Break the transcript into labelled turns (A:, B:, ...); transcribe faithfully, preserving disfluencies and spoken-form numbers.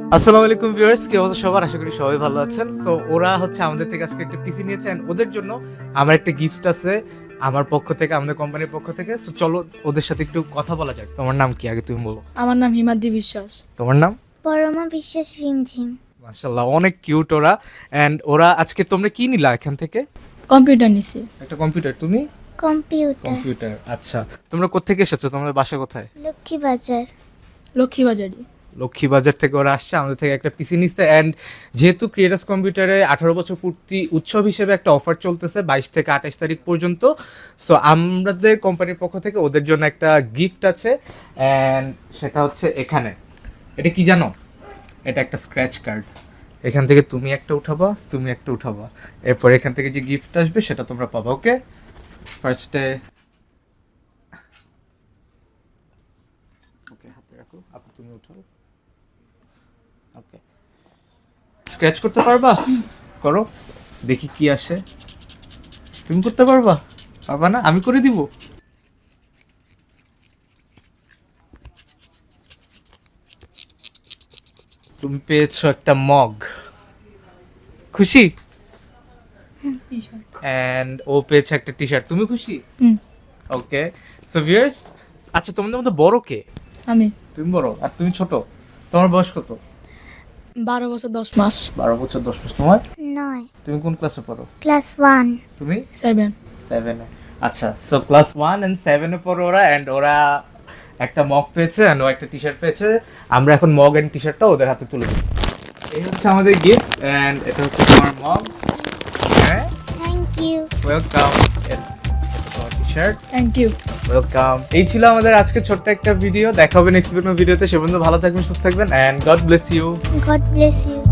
A: আসসালামু আলাইকুম ভিউয়ার্স, কি অবস্থা সবার? আশা করি সবাই ভালো আছেন। সো ওরা হচ্ছে আমাদের থেকে আজকে একটা পিসি নিয়েছে and ওদের জন্য আমার একটা গিফট আছে আমার পক্ষ থেকে, আমাদের কোম্পানির পক্ষ থেকে। সো চলো ওদের সাথে একটু কথা বলা যাক। তোমার নাম কি আগে তুমি বলো।
B: আমার নাম হিমাদ্রি বিশ্বাস।
A: তোমার নাম?
C: পরমা বিশ্বাস রিমঝিম।
A: মাশাআল্লাহ, অনেক কিউট ওরা। এন্ড ওরা আজকে তোমরা কি নিলা এখান থেকে?
B: কম্পিউটার নিছি।
A: একটা কম্পিউটার। তুমি?
C: কম্পিউটার।
A: কম্পিউটার। আচ্ছা, তোমরা কোত্থেকে এসেছো? তোমাদের বাসা কোথায়?
C: লক্ষ্মীবাজার।
B: লক্ষ্মীবাজারি।
A: লক্ষ্মীবাজার থেকে ওরা আসছে, আমাদের থেকে একটা পিসি নিচ্ছে। অ্যান্ড যেহেতু ক্রিয়েটার্স কম্পিউটারে আঠারো বছর পূর্তি উৎসব হিসেবে একটা অফার চলতেছে বাইশ থেকে আঠাশ তারিখ পর্যন্ত। সো আমাদের কোম্পানির পক্ষ থেকে ওদের জন্য একটা গিফট আছে, অ্যান্ড সেটা হচ্ছে এখানে। এটা কি জানো? এটা একটা স্ক্র্যাচ কার্ড। এখান থেকে তুমি একটা উঠাবা, তুমি একটা উঠাবা, এরপর এখান থেকে যে গিফট আসবে সেটা তোমরা পাবা। ওকে, ফার্স্টে ওকে হাতে রাখো, আপনি তুমি উঠাও। ওকে, স্ক্র্যাচ করতে পারবা? করো, দেখি কি আসে। তুমি করতে পারবা? পারবা না? আমি করে দিব। তুমি পেয়েছো একটা মগ। খুশি? এন্ড ও পেয়েছে একটা টি শার্ট। তুমি খুশি?
B: হুম।
A: ওকে, সো ভিউয়ার্স, আচ্ছা তোমাদের মধ্যে বড় কে?
B: আমি
A: তুমি বড় আর তুমি ছোট। তোমার বয়স কত?
B: বারো বছর দশ মাস।
A: বারো বছর দশ মাস। তোমার?
C: নয়।
A: তুমি কোন ক্লাসে পড়ো?
C: Class one.
A: তুমি?
B: সেভেন।
A: সেভেনে। আচ্ছা, সো ক্লাস ওয়ান এন্ড সেভেনে পড়ো ওরা। অ্যান্ড ওরা একটা মগ পেয়েছে অ্যান্ড ও একটা টি শার্ট পেয়েছে। আমরা এখন মগ অ্যান্ড টি শার্টটা ওদের হাতে তুলে দিই। এই হচ্ছে আমাদের গিফট, অ্যান্ড এটা হচ্ছে তোমার মগ। হ্যাঁ,
C: থ্যাংক ইউ।
A: ওয়েলকাম। এটা তোমার T shirt.
B: Thank you.
A: Welcome. এই ছিল আমাদের আজকে ছোট্ট একটা ভিডিও। দেখা হবে নেক্সট ভিডিওতে। সে পর্যন্ত ভালো থাকবেন, সুস্থ থাকবেন, and God bless you.
C: God bless you.